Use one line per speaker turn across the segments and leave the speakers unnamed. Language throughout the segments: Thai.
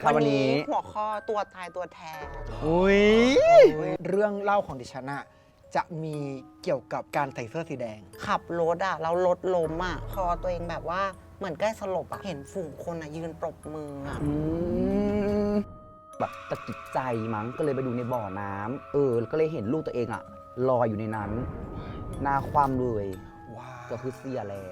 วันนี้
หัวข้อตัวตายตัวแทน
อุ้ย
เรื่องเล่าของดิฉันอะจะมีเกี่ยวกับการใส่เสื้อสีแดง
ขับรถอ่ะแล้วรถล้มอ่ะคอตัวเองแบบว่าเหมือนใกล้สลบอ่ะเห็นฝูงคนอ่ะยืนปรบมืออ่ะ
แบบตะกิดใจมั้งก็เลยไปดูในบ่อน้ำก็เลยเห็นลูกตัวเองอะลอยอยู่ในนั้นหน้าคว่ำเลย
ว้าว
ก็คือเสียแล้ว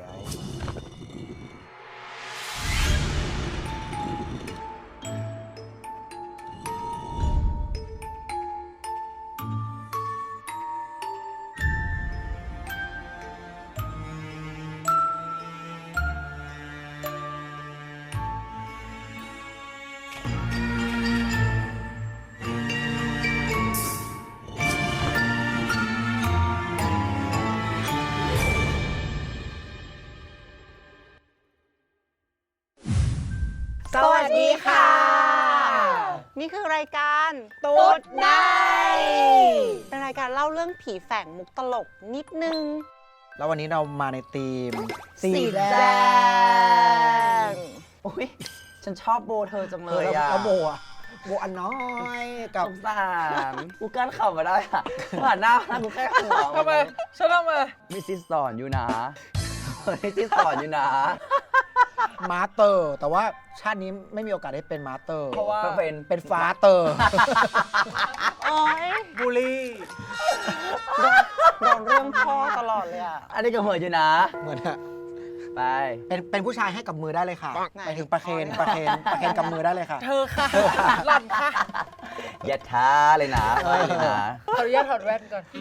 สวัสดีค่ะ นี่คือรายการ
ตุ๊ดใน
เป็นรายการเล่าเรื่องผีแฝงมุกตลกนิดนึง
แล้ววันนี้เรามาในธีม
สีแดง
โอ้ยฉันชอบโบเธอจังเล
เลย ย
อะ
แล้วโบอะโบอันน้อยกับ
สงสารกูกั้นเข่ามาได้อะผ่านหน้ากูแค่หัว
ทำไมฉันทำไม
มิสซิสสอนอยู่นะมิสซิสสอนอยู่นะ
มาสเตอร์ แต่ว่าชาตินี้ไม่มีโอกาสได้เป็นมาสเตอร์
เพราะว่า
เป็นฟาเตอร์
โอ๊ย
บูลลี่
โดนเรื่องพ่อตลอดเลยอ่ะ
อันนี้ก็เหยอยู่นะ
เหมือนอะ
ไป
เป็นผู้ชายให้กับมือได้เลยค่ะ
ไหน
ไปถึงประเคนกับมือได้เลยค่ะ
เธอค่ะหล่อนค่ะ
อย่าท้าเลยนะไปเลยนะ
ขออนุญาตถอดแว่นก่อน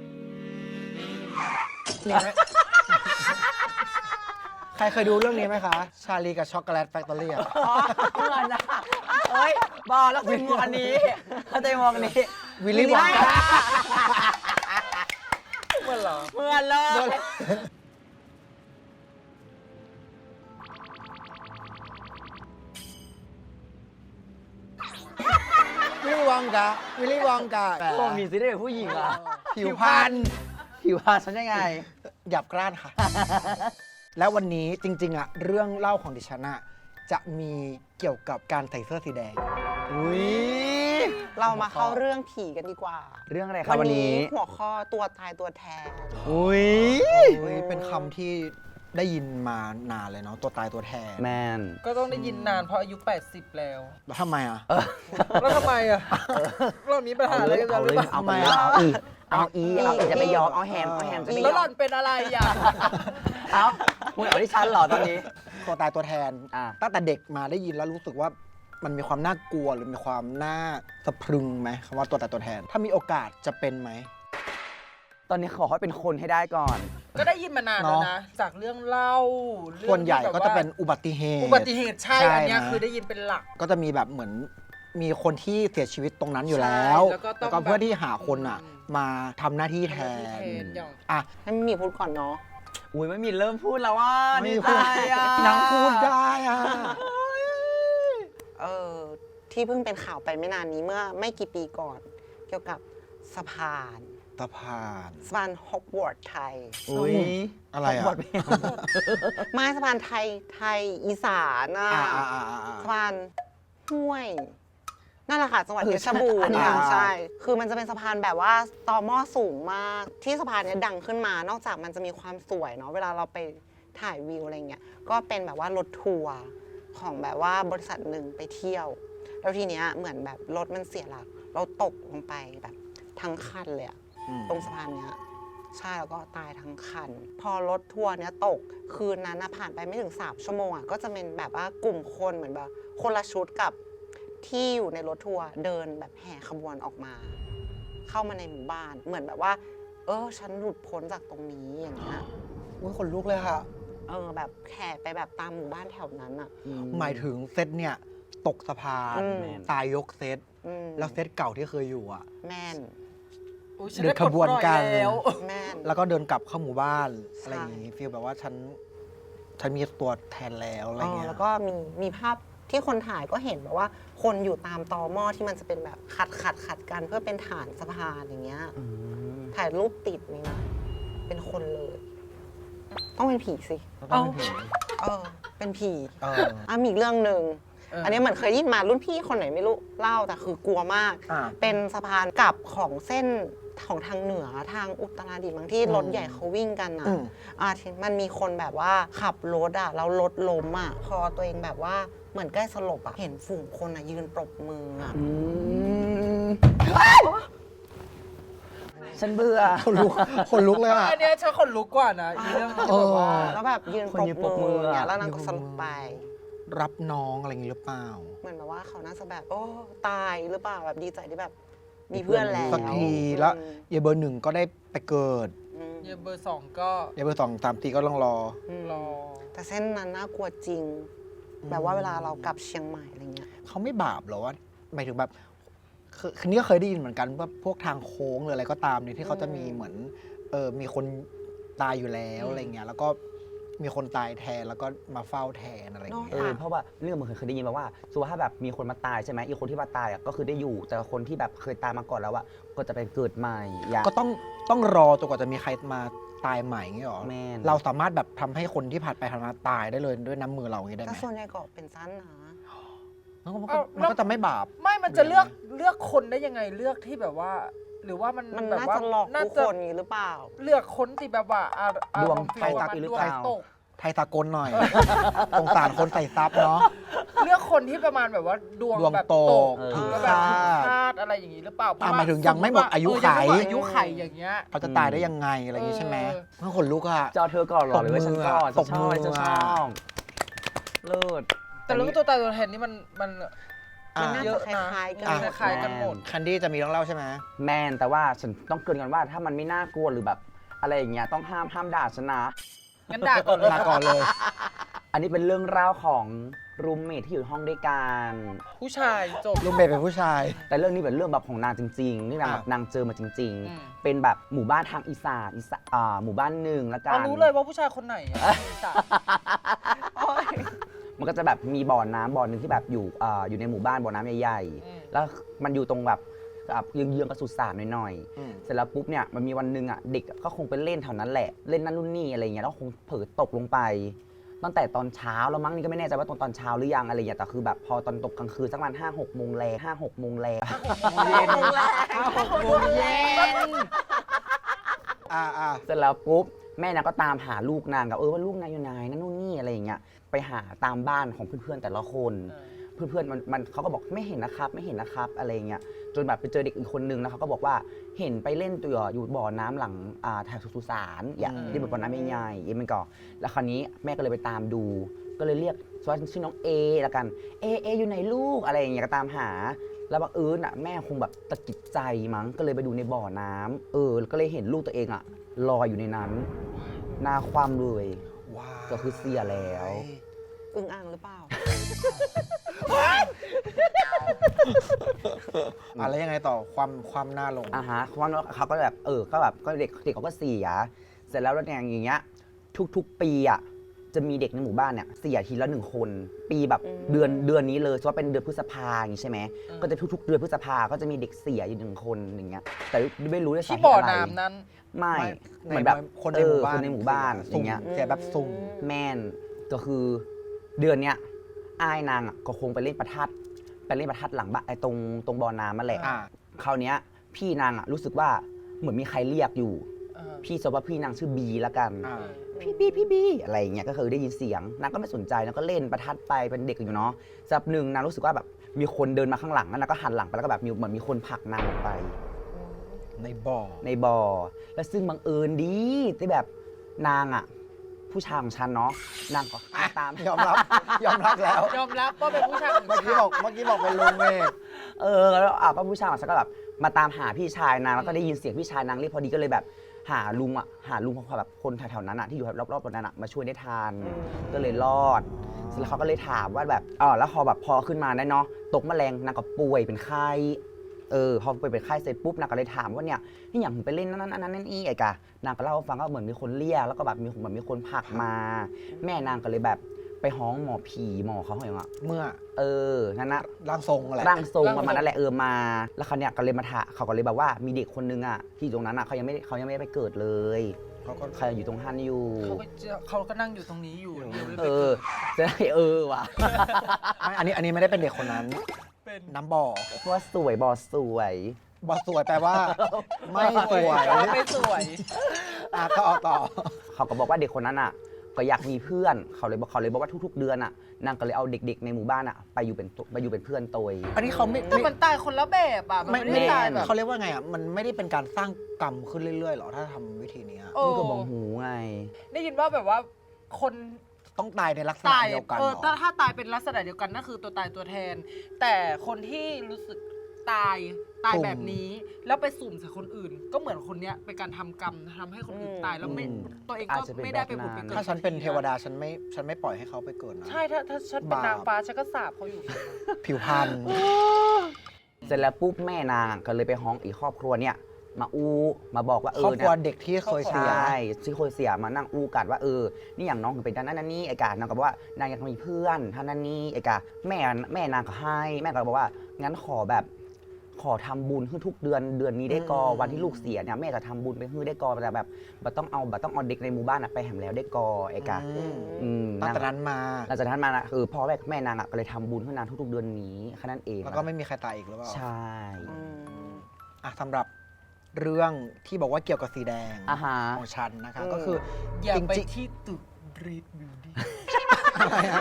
ใครเคยดูเรื่องนี้ไหมคะ ชาลีกับช็อกโกแลตแฟคทอรี่อะ
เหมือนนะเฮ้ยบอกแล้วคุณมองอันนี้เข้าใจมองอันนี้
วิลลี่วองกา
เหมือนเหรอ
เหมือนเลย
วิลลี่วองกาวิลลี่วองกา
โอ้มีสิได้เป็นผู้หญิงอ่ะ
ผิวพรรณ
ผิวพรรณฉันยังไง
หยับกร้านค่ะ แล้ววันนี้จริงๆอะเรื่องเล่าของดิฉันอะจะมีเกี่ยวกับการใส่เสื้อสีแดง
อุ้ย
เรามาเข้าเรื่องผีกันดีกว่า
เรื่องอะไรครับวันนี้
หัวข้อตัวตายตัวแทน
อุ้ย
เป็นคำที่ได้ยินมานานเลยเนาะตัวตายตัวแทน
แมน
ก็ต้องได้ยินนานเพราะอายุ 80 แล้ว
แล้วทำไมอะ
แล้วทำไมอ่ะเรามีปัญหาอะไรกันหรือเปล่า
เอาไปเอาอีจะไปยอมเอาแฮมจะไปย
แล้วหล่
อ
อ
ม
นเป็นอะไรอ่ะ
เอามึงเอาที่ฉันเหรอตอนนี้
ตัวตายตัวแทน
อ่ะ
ตั้งแต่เด็กมาได้ยินแล้วรู้สึกว่ามันมีความน่ากลัวหรือมีความน่าสะพรึงไหมคำว่าตัวตายตัวแทน ถ้ามีโอกาสจะเป็นไหม
ตอนนี้ขอให้เป็นคนให้ได้ก่อน
ก็ได้ยินมานานแล้วนะ จากเรื่องเล่าเรื่อง
ส่วนใหญ่
ที่แบบ
ก็จะเป็นอุบัติเหตุ
อุบัติเหตุใช่
ใช่
อันเนี้ย
นะ
คือได้ยินเป็นหลัก
ก็จะมีแบบเหมือนมีคนที่เสียชีวิตตรงนั้นอยู่แล้ว
ใช่แล้วก็ต้อง
เพื่อที่หาคนอ่ะ มาทำหน้าที่แทน
อย่าง
อ่ะ
ให้มีพูดก่อนเนาะ
อุ้ยไม่มีเริ่มพูดแล้วว่า
ไม่
ดี
มี
ใจ
พูด
อ่ะ
นางพูดได้อ่ะ
ที่เพิ่งเป็นข่าวไปไม่นานนี้เมื่อไม่กี่ปีก่อน เกี่ยวกับสะพาน
สะพาน
สะพานฮอกวอตส์ไทย
อุ้ย
อะไรอ่ะ
ขบคุณ
ไม้สะพานไทยอีสานอ่ะ สะพานห้วย นั่นแหละค่ะจังหวัดเพชรบูรณ์ค่ะใช่ คือมันจะเป็นสะพานแบบว่าต่อหม้อสูงมาก ที่สะพานเนี้ยดังขึ้นมา นอกจากมันจะมีความสวยเนาะเวลาเราไปถ่ายวิวอะไรเงี้ยก็เป็นแบบว่ารถทัวร์ของแบบว่าบริษัทหนึ่งไปเที่ยว แล้วทีเนี้ยเหมือนแบบรถมันเสียหลัก เราตกลงไปแบบทั้งคันเลยอะ ตรงสะพานเนี้ยใช่แล้วก็ตายทั้งคัน พอรถทัวร์เนี้ยตกคืนนั้นนะผ่านไปไม่ถึง3 ชั่วโมงอ่ะก็จะเป็นแบบว่ากลุ่มคนเหมือนแบบคนละชุดกับที่อยู่ในรถทัวร์เดินแบบแห่ขบวนออกมา เข้ามาในหมู่บ้านเหมือนแบบว่า ฉันหลุดพ้นจากตรงนี้อย่างเงี้ย
อุ้ยขนลุกเลยค่ะ
แบบแห่ไปแบบตามหมู่บ้านแถวนั้นอ่ะ
หมายถึงเซตเนี่ย ตกสะพาน
อืม
ตายยกเซต
อืม
แล้วเซตเก่าที่เคยอยู่อ่ะ
แม่น
อุ๊ยฉั
เดินขบวนกัน
ได้ปลดปล่อยแล้ว
แม่น
แล้วก็เดินกลับเข้าหมู่บ้าน
ใช่
อะไรอย่างงี้ฟีลแบบว่าฉันมีตัวแทนแล้วอะไรเงี้ย
แล้วก็มีภาพที่คนถ่ายก็เห็นแบบว่า คนอยู่ตามตอหม้อที่มันจะเป็นแบบขัดกันเพื่อเป็นฐานสะพานอย่างเงี้ย ถ่ายรูปติดนี่นะ เป็นคนเลย ต้องเป็นผีสิ
แล้วต้องเป็นผี
เป็นผี
เออ
มีอีกเรื่องหนึ่งอันนี้เหมือนเคยได้ยินมารุ่นพี่คนไหนไม่รู้เล่าแต่คือกลัวมาก เป็นสะพานกลับของเส้นของทางเหนือทางอุตรดิตถ์บางที่รถใหญ่เขาวิ่งกันนะที่มันมีคนแบบว่าขับรถอ่ะแล้วรถล้มอ่ะพอตัวเองแบบว่าเหมือนใกล้สลบอ่ะเห็นฝูงคนอ่ะยืนปรบมืออ่ะ
ฉันเบื่อ
คนลุกเลยอ่ะ
อันเนี้ยฉันขนลุกกว่านะอีเรื่องที่แบบว่า
แล้วแบบยืน
คนยืน
ปรบมือ
ปรบมือ
เนี่ย
อะ
แล้วนางก็สลบไป
รับน้องอะไรอย่างงี้หรือเปล่า
เหมือนแบบว่าเขาน่าจะแบบโอ้ตายหรือเปล่าแบบดีใจที่แบบมีเพื่อนแล้ว
สักทีแล้วเยเบอร์หนึ่งก็ได้ไปเกิด
เยเบอร์สองก็
เยเบอร์สองตามตีก็ต้องรอ
รอ
แต่เส้นนั้นน่ากลัวจริง แบบว่าเวลาเรากลับเชียงใหม่อะไรเงี้ย
เขาไม่บาปเหรอว่าหมายถึงแบบคือนี่ก็เคยได้ยินเหมือนกันว่าพวกทางโค้งหรืออะไรก็ตามเนี่ยที่เขาจะมีเหมือนมีคนตายอยู่แล้วอะไรเงี้ยแล้วก็มีคนตายแทนแล้วก็มาเฝ้าแทนอะไรเงี้ย
เพราะว่าเรื่องมันเคยได้ยินมาว่าสมมุติว่าถ้าแบบมีคนมาตายใช่ไหมอีกคนที่มาตายอ่ะก็คือได้อยู่ แต่คนที่แบบเคยตายมาก่อนแล้วอ่ะก็จะไปเกิดใหม่อย่าง
ก็ต้องรอจนกว่าจะมีใครมาตายใหม่เงี้ยหรอ
แม่น
เราสามารถแบบทำให้คนที่ผ่านไปผ่านมาตายได้เลยด้วยน้ำมือเราอย่างงี้ได้ไห
แต่
ม
ส่วนใหญ่ก็เป็นสั้นนะ
มันก็จะไม่บาป
ไม่มันจะเลือกคนได้ยังไงเลือกที่แบบว่า หรือว่ามัน
มัน
แบบ
น่า
ว่า
จะหลอก
น่า
ทุก
จะ
คนนี้หรือเปล่า
เลือกคนที่แบบว่าอารมณ์
ดวงไฟตก
ฟีล
หรือ
ดว
เป
ง
ล่า
ตก
ไทยสากลหน่อย สงสารคนใส่ซับเนาะ
เลือกคนที่ประมาณแบบว่าดวง
ดวง
แบบ
ต
ต
ก
ก
ถึง
แล้วแบบ
คา
ถึง
ด
คาดอะไรอย่างนี้หรือเปล่าเพระ
หมายถึงยังไม่หมดอายุไข
ยังไม่หมดอายุไขอย่างเงี้ย
เขาจะตายได้ยังไงอะไรอย่างงี้ใช่ไหมมันขนลุกอะ
จะเอาเธอก่อนเหรอหรือว่าฉันก่อน
ตบมือ
ฉันชอบเลิศ
แต่เรื่องตัวตายตัวแทนนี่มัน
มันน่า
เย
จะ
อะ
ค
นะ
ล้ายๆกัน
คล้ายๆกันหมด
แคนดี้จะมีเรื่องเล่าใช่ไหม
แมนแต่ว่าฉันต้องเกรินก่อนว่าถ้ามันไม่น่ากลัวหรือแบบอะไรอย่างเงี้ยต้องห้ามด่าฉันนะ
งั้นด่าก่อนเลย
ลาก่อนเลย
อันนี้เป็นเรื่องราวของรูมเมทที่อยู่ห้องด้วยกัน
ผู้ชายจบ
ลุงเบย์เป็นผู้ชาย
แต่เรื่องนี้เป็นเรื่องแบบของนางจริงๆที่นางแบบนางเจอมาจริง
อืม
ๆ เป็นแบบหมู่บ้านทางอีสานหมู่บ้านหนึ่งละกั
เรา
น
รู้เลยว่าผู้ชายคนไหนอะจ้ะ
มันก็จะแบบมีบ่อน้ำบ่อหนึ่งที่แบบอยู่ในหมู่บ้านบ่อน้ำใหญ่
อืม
ๆแล้วมันอยู่ตรงแบบเยื้องๆกับสุสานหน่อย
อืม
ๆเสร็จแล้วปุ๊บเนี่ยมันมีวันหนึ่งอ่ะเด็กก็คงไปเล่นแถวนั้นแหละเล่นนั่นนู่นนี่อะไรเงี้ยแล้วคงเผลอตกลงไป ตั้งแต่ตอนเช้าแล้วมั้งนี่ก็ไม่แน่ใจว่าตอนเช้าหรือยังอะไรอย่างเงี้ยแต่คือแบบพอตอนตกกลางคืนสักประมาณ5-6 โมงแล5-6 โมงแล
เย็น6 โมงเย็น
เสร็จแล้วปุ๊บแม่นางก็ตามหาลูกนางกับว่าลูกนางอยู่ไหนนั่นนู่นนี่อะไรอย่างเงี้ยไปหาตามบ้านของเพื่อนๆแต่ละคน เพื่อนๆมันเขาก็บอกไม่เห็นนะครับไม่เห็นนะครับอะไรอย่างเงี้ยจนแบบไปเจอเด็กอีกคนนึงแล้วเขาก็บอกว่าเห็นไปเล่นตัวอยู่บ่อน้ำหลังแถวสุสานอย่างที่เป็นบ่อน้ำใหญ่ๆเอ็มมันก่อแล้วคราวนี้แม่ก็เลยไปตามดู ก็เลยเรียกชื่อน้องเอละกันเออยู่ไหนลูกอะไรอย่างเงี้ยก็ตามหา แล้วบังเอิญอ่ะแม่คงแบบตะกิดใจมั้งก็เลยไปดูในบ่อน้ำก็เลยเห็นลูกตัวเองอ่ะลอยอยู่ในนั้นหน้าคว่ำเลย
ว้าว
ก็คือเสียแล้ว
อึ้งอ่างหรือเปล่า
อะไรยังไงต่อความหน้าลง
ฮะเพราะว่าเขาก็แบบก็เด็กเขาก็เสียเสร็จแล้วอย่างเงี้ยทุกๆปีอ่ะจะมีเด็กในหมู่บ้านเนี่ยเสียทีละ1 คนปีแบบ
อืม
เดือนนี้เลยเพราะว่าเป็นเดือนพฤษภาอย่างงี้ใช่ไหมก็จะทุกๆเดือนพฤษภาก็จะมีเด็กเสียอยู่1 คนอย่างเงี้ยแต่ไม่รู้ด้วยสา
ที่
เหตุ
บ่อ
อะไร
น้ำนั้น
ไม่
ไม่
เหมือนแบบ
คนในหมู่บ้าน
คนในหมู่บ้านอย่างเงี้ย
เสียแบบสุ่ม
แม่นก็คือเดือนเนี้ยอ้ายนางอ่ะก็คงไปเล่นประทัดหลังบ้านไอ้ตรงบ่อน้ำมาแหละ
อ่า
คราวเนี้ยพี่นางอ่ะรู้สึกว่าเหมือนมีใครเรียกอยู่ พี่สมมติว่าพี่นางชื่อบีละกัน
อ่า
พี่บีอะไรอย่างเงี้ยก็คือได้ยินเสียงนางก็ไม่สนใจนางก็เล่นประทัดไปเป็นเด็กอยู่เนาะสักหนึ่งนางรู้สึกว่าแบบมีคนเดินมาข้างหลังแล้วนางก็หันหลังไปแล้วก็แบบเหมือนมีคนผลักนางออกไป
ในบ่อ
ในบ่อแล้วซึ่งบังเอิญดีที่แบบนางอ่ะผู้ชายของฉันเนาะนางก็ตาม
ยอมรับแล้ว
ยอมรับว่าเป็นผู้ชายของ
เมื่อกี้บอกเป็นลุงเมฆ
แล้วก็ผู้ชายของฉันก็แบบมาตามหาพี่ชายนางแล้วก็ได้ยินเสียงพี่ชายนางเรียกพอดีก็เลยแบบหาลุงของแบบคนแถวๆนั้นอ่ะที่อยู่รอบๆตรงนั้นอ่ะมาช่วยได้ทันก็เลยรอดเสร็จแล้วเขาก็เลยถามว่าแบบแล้วพอขึ้นมาได้เนาะตกแมลงนางก็ป่วยเป็นไข้พอเป็นไข้เสร็จปุ๊บนางก็เลยถามว่าเนี่ยนี่อย่างผมไปเล่นนั่นอีไอ้กะนางก็เล่าให้ฟังก็เหมือนมีคนเรียกแล้วก็แบบมีคนผลักมา แม่นางก็เลยแบบไปฮ้องหมอผีหมอเขาอย่างเงี้ย
เมื่อ
นั่นนะ
ร่างทรงอะไร
ร่างทรงประมาณนั้นแหละมาแล้วเขาเนี่ยก็เลยมาถามเขาก็เลยแบบว่ามีเด็กคนนึงอ่ะที่ตรงนั้นอ่ะเขายังไม่ได้ไปเกิดเลย
เขาก็
ใครอยู่ตรงฮันอยู่
เขาก็นั่งอยู่ตรงนี้อยู่เดี๋ยวเลย
เอ
ไป
อ
เกิด
จะได้ว่ะ
ไม่อันนี้ไม่ได้เป็นเด็กคนนั้น
เป็น
น้ำบ่อ
ว่าสวยบอสวย
บ่อสวยแปลว่า ไม่สวย
ไม่สวย
ก็เอาต่อ
เขาก็บอกว่าเด็กคนนั้นอ่ะ ก็อยากมีเพื่อนเขาเลยบอกว่าทุกๆ เดือนอ่ะนางก็เลยเอาเด็กๆในหมู่บ้านอ่ะไปอยู่เป็นเพื่อนโตย
อันนี้เขาไม่
แต่มันตายคนละแบบอ่ะ มันไม่ได้ตายแบบ
เขาเรียกว่าไงอ่ะมันไม่ได้เป็นการสร้างกรรมขึ้นเรื่อยๆหรอถ้าทำวิธีเนี้ย
โอ้
นี่ก็บอกหูไง
ได้ยินว่าแบบว่าคน
ต้องตายในลักษณะ
ตาย
เดียวกัน
เอ
เห
อ
รอ
ถ้าตายเป็นลักษณะเดียวกันนั่นคือตัวตายตัวแทน แต่คนที่รู้สึกตายแบบนี้ แล้วไปสุ่มใส่คนอื่น ก็เหมือนคนเนี้ยเป็นการทำกรรมทำให้คนอื่นตายแล้วไม่
อืม
ตัวเอง
อา
ก็
จจะเป็น
ไม่ได้ไป
แบบ
ผุดไป
นั้น
เกิด
ถ้าฉันเป็นเทวดาฉันไม่ปล่อยให้เขาไปเกิดนะ
ใช่ถ้าฉันเป็น
บาป
นางฟ้าฉันก็สาบเขาอยู่
ผิวพรรณ
เสร็จแล้วปุ๊บแม่นางก็เลยไปฮ้องอีกครอบครัวเนี่ยมามาบอกว่า
ครอบครัว
เนี่ย
เด็กที่เคย
ใช
เสีย
่ที่เคยเสียมานั่งอู้กันว่านี่อย่างน้องถึงเป็นนั่นนี่ไอ้กานางก็บอกว่านางอยากมีเพื่อนท่านนั่นนี่ไอ้กาแม่นางก็ให้แม่ก็บอกว่างั้นขอทำบุญให้ทุกเดือนนี้ได้กอวันที่ลูกเสียเนี่ยแม่จะทำบุญไปให้ได้กอแต่แบบบัต้องเอาเด็กในหมู่บ้านอะไปแหมแล้วได้กอไอ้กา
ตั้งแต่นั้นมา
หลังจากนั้นมานะพ่อแม่นางอะก็เลยทำบุญให้นางทุกๆเดือนนี้แค่นั้นเอง
แล้วก็ไม่มีใครตายอีกหรือเปล่า
ใช่
อ่ะสำหรับเรื่องที่บอกว่าเกี่ยวกับสีแดง
อาฮะ
ของฉันนะคะก็คือ
อย่าไป
จริง
ที่ตึกรีดบิวดี้
ๆอะไรอ่ะ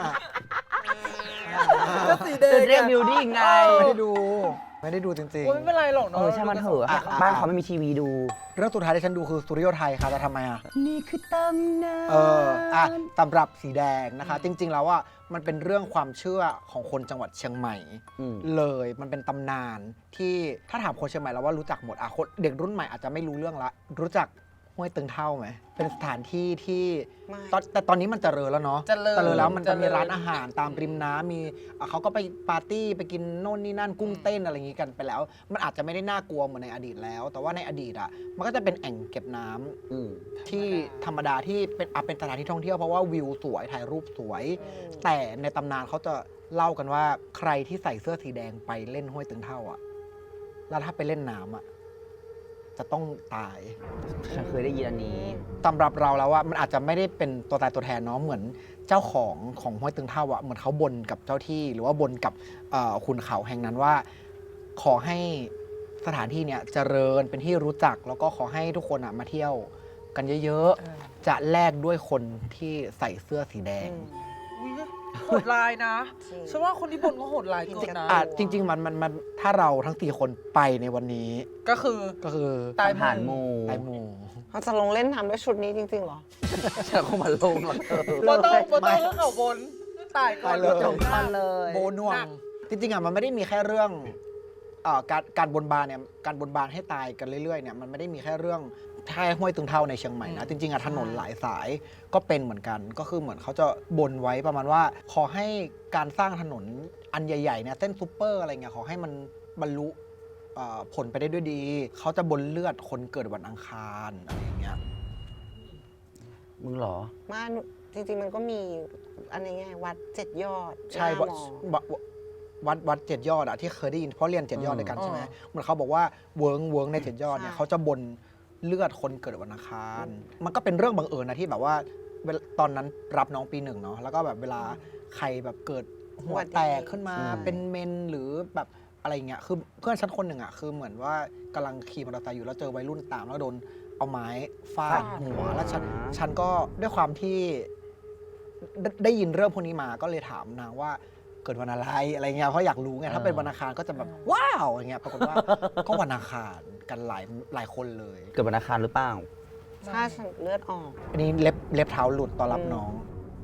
ก็สีแดง
เรียกบิวดิ้งไง
ไม่ได้ดูจริง
โอ้ยไม่เป็นไรหรอกเนาะ
ใช่มันเถอะ
อ่ะ
บ้านเขาไม่มีทีวีดู
ๆ เรื่องสุดท้ายที่ฉันดูคือสุริโยไทยค่ะจะทำไมอ่ะ
นี่คือตำนาน
อ่ะสำหรับสีแดงนะคะ จริง ๆ แล้วอ่ะมันเป็นเรื่องความเชื่อของคนจังหวัดเชียงใหม่ เลยมันเป็นตำนานที่ถ้าถามคนเชียงใหม่แล้วว่ารู้จักหมดอ่ะคนเด็กรุ่นใหม่อาจจะไม่รู้เรื่องละรู้จักห้วยตึงเท่าไหมเป็นสถานที่ที่
ไม่
แต่ตอนนี้มันเจริญแล้วเนาะ
เจริญ
แล้วมันจะมี
เจริญ
ร้านอาหารตามริมน้ำมีเขาก็ไปปาร์ตี้ไปกินโน่นนี่นั่นกุ้งเต้นอะไรอย่างงี้กันไปแล้ว มันอาจจะไม่ได้น่ากลัวเหมือนในอดีตแล้ว แต่ว่าในอดีตอ่ะมันก็จะเป็นแอ่งเก็บน้ำที่ธรรมดาที่เป็นสถานที่ท่องเที่ยวเพราะว่าวิวสวยถ่ายรูปสวย แต่ในตำนานเขาจะเล่ากันว่าใครที่ใส่เสื้อสีแดงไปเล่นห้วยตึงเท่าอ่ะแล้วถ้าไปเล่นน้ำอ่ะจะต้องตาย
ฉันเคยได้ยินอันนี้
สำหรับเราแล้วว่ามันอาจจะไม่ได้เป็นตัวตายตัวแทนเนาะเหมือนเจ้าของห้วยตึงเท่าอะเหมือนเขาบนกับเจ้าที่ หรือว่าบนกับคุณเขาแห่งนั้นว่า ขอให้สถานที่เนี่ยเจริญเป็นที่รู้จัก แล้วก็ขอให้ทุกคนอะมาเที่ยวกันเยอะๆจะแลกด้วยคนที่ใส่เสื้อสีแดง
อุ๊ยโหดร้ายนะฉันว่าคนที่บนก็โหดร้ายเกินนะ
จริง ๆ มันถ้าเราทั้ง4คนไปในวันนี้
ก็คือ
ตาย
ทหารโม
ตายหมู่
เขาจะลงเล่นน้ำด้วยชุดนี้จริงๆเหรอ
ฉันคงมาลงหรอกเธอ
โบต้องก็เขาบนตายก่อน
ตายเลย
จบกันเลย
โบน่วง จริงๆอ่ะมันไม่ได้มีแค่เรื่องการบนบานเนี่ยการบนบานให้ตายกันเรื่อยๆเนี่ยมันไม่ได้มีแค่เรื่องแค่ห้วยตึงเท่าในเชียงใหม่นะจริงๆอ่ะถนนหลายสายก็เป็นเหมือนกันก็คือเหมือนเขาจะบนไว้ประมาณว่า ขอให้การสร้างถนนอันใหญ่ๆเนี่ยเส้นซูเปอร์อะไรเงี้ยขอให้มันบรรลุผลไปได้ด้วยดีเขาจะบนเลือดคนเกิดวันอังคารอะไรอย่างเงี้ย
มึงเหรอ
มาจริงๆมันก็มีอันนี้ไงวัดเจ็ดยอด
ใช่
หน้า
วัด
มอ
วัดเจ็ดยอดอะที่เคยได้ยินเพราะเรียนเจ็ดยอดด้วยกันใช่ไหมเหมือนเขาบอกว่าเวิร์งในเจ็ดยอดเนี่ย
ใช่
เขาจะบนเลือดคนเกิดวันอังคาร มันก็เป็นเรื่องบังเอิญนะที่แบบว่าตอนนั้นรับน้องปี 1เนาะแล้วก็แบบเวลาใครแบบเกิดหัวแตกขึ้นมา
อืม
เป็นเมนหรือแบบอะไรเงี้ยคือเพื่อนชั้นคนหนึ่งอะคือเหมือนว่ากำลังขี่มอเตอร์ไซค์อยู่แล้วเจอวัยรุ่นตามแล้วโดนเอาไม้ฟาดหัวแล้วฉันก็ด้วยความที่ได้ยินเรื่องพวกนี้มาก็เลยถามนางว่าเกิดวันอะไรเงี้ยเพราะอยากรู้ไงถ้าเป็นวันอังคารก็จะแบบว้าวอย่างเงี้ยปรากฏว่า ก็วันอังคารกันหลายคนเลย
เกิดวันอังคารหรือเปล่า
ใช่ฉันเลือดออก
อันนี้เล็บเท้าหลุดตอนรับน้อง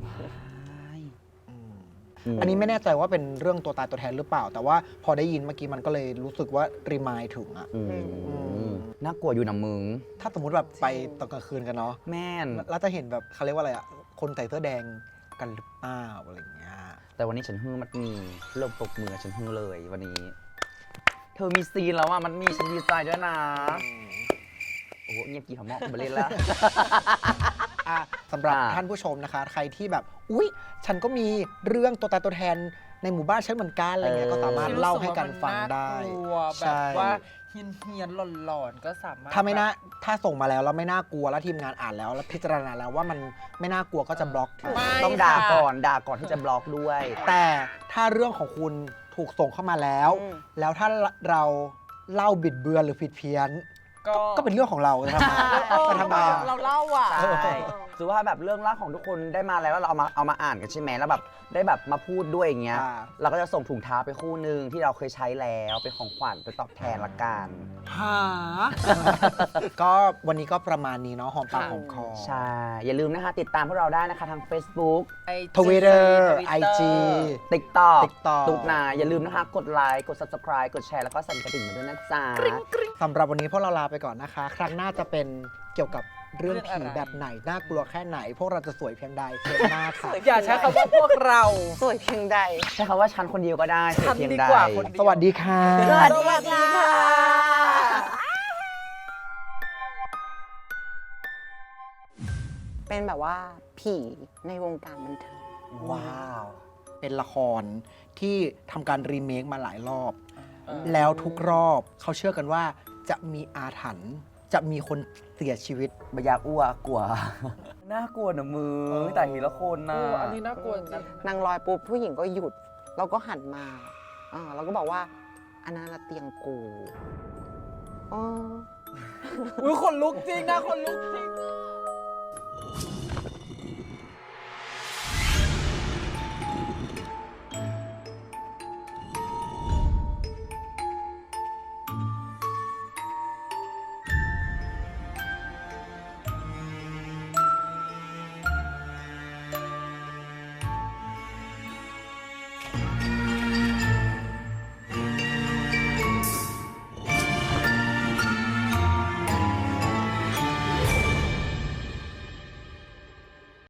อันนี้ไม่แน่ใจว่าเป็นเรื่องตัวตายตัวแทนหรือเปล่า แต่ว่าพอได้ยินเมื่อกี้มันก็เลยรู้สึกว่ารีมายถึงอะ
น่ากลัวอยู่นะมึง
ถ้าสมมุติแบบไปตอนกลางคืนกันเนาะ
แม่น
แล้วจะเห็นแบบเขาเรียกว่าอะไรอะคนใส่เสื้อแดงกันหรือเปล่าอะไรอย่างเงี้ย
แต่วันนี้ฉันฮือมันมีเริ่มปรบมือฉันฮือเลยวันนี้ เธอมีซีนแล้วอ่ะมันมีฉันดีใจด้วยนะ โอ้โหเงียบกี่หอมมอกมาเล่นแล้ว
สำหรับ
อ่า
ท่านผู้ชมนะคะ ใครที่แบบอุ๊ยฉันก็มีเรื่องตัวตายตัวแทนในหมู่บ้านฉันเหมือนกันอะไรเงี้ยก็สามารถเล่าให้กันฟังได้
ที่รู้สึกว่ามันน่ากลัวแบ
ใช่
บว่าเฮียนๆหลอนๆก็สามารถ
ถ้าไม่น่าถ้าส่งมาแล้วไม่น่ากลัวแล้วทีมงานอ่านแล้วพิจารณาแล้วว่ามันไม่น่ากลัวก็จะบล็อกทิ้ง
ไม่
ต้องด่า
ค่ะ
ก่อนที่จะบล็อกด้วย
แต่ถ้าเรื่องของคุณถูกส่งเข้ามาแล้ว
อืม
แล้วถ้าเราเล่าบิดเบือนหรือผิดเพี้ยน
ก็
ก็เป็นเรื่องของเราจะทำไม
เออ
จะทำไมอะ
เราเล่าอ่ะ
ใช่ถือว่าแบบเรื่องเล่าของทุกคนได้มาแล้วเราเอามาอ่านกันใช่ไหมแล้วแบบได้แบบมาพูดด้วยอย่างเงี้ย
อ่า
เราก็จะส่งถุงเท้าไปคู่หนึ่งที่เราเคยใช้แล้วเป็นของขวัญไปตอบแทนละกัน
หา
ก็วันนี้ก็ประมาณนี้เนาะหอมปากหอมคอ
ใช่ อย่าลืมนะคะติดตามพวกเราได้นะคะทาง Facebook
Twitter IG
TikTok
TikTok
ตุ๊กนาอย่าลืมนะคะ กดไลค์กด Subscribe กดแชร์แล้วก็สั่นกระดิ่งมาด้วยนะจ๊ะ
สำหรับวันนี้พวกเราลาไปก่อนนะคะ ครั้งหน้าจะเป็นเกี่ยวกับเรื่อง
เรื่อง
ผี
อะไร
แบบไหน น่ากลัวแค่ไหน พวกเราจะสวยเพียงใดเทปหน้าค่ะ
อย่าใช้คำว่าพวกเรา
สวยเพียงใด
ใช้คำว่าฉันคนเดียวก็ได้
ฉัน
เพียง
ดี
ใด
กว่าคนเดียว
สวัสดีค่ะ
สวัสดีค่ะ
เป็นแบบว่าผีในวงการบันเทิง
ว้าว เป็นละครที่ทำการรีเมคมาหลายรอบ แล้วทุกรอบเขาเชื่อกันว่าจะมีอาถรรพ์จะมีคนเสียชีวิต
บอยากอ้วกกลัว น่ากลัวนะมือแต่ทีละคนนะ
อันนี้น่ากลัวจริง
นางลอยปุ๊บผู้หญิงก็หยุด แล้วก็หันมาแล้วก็บอกว่า อันนั้นละเตียงกูอ๋อ
อุ้ยคนลุกจริงนะคนลุกจริง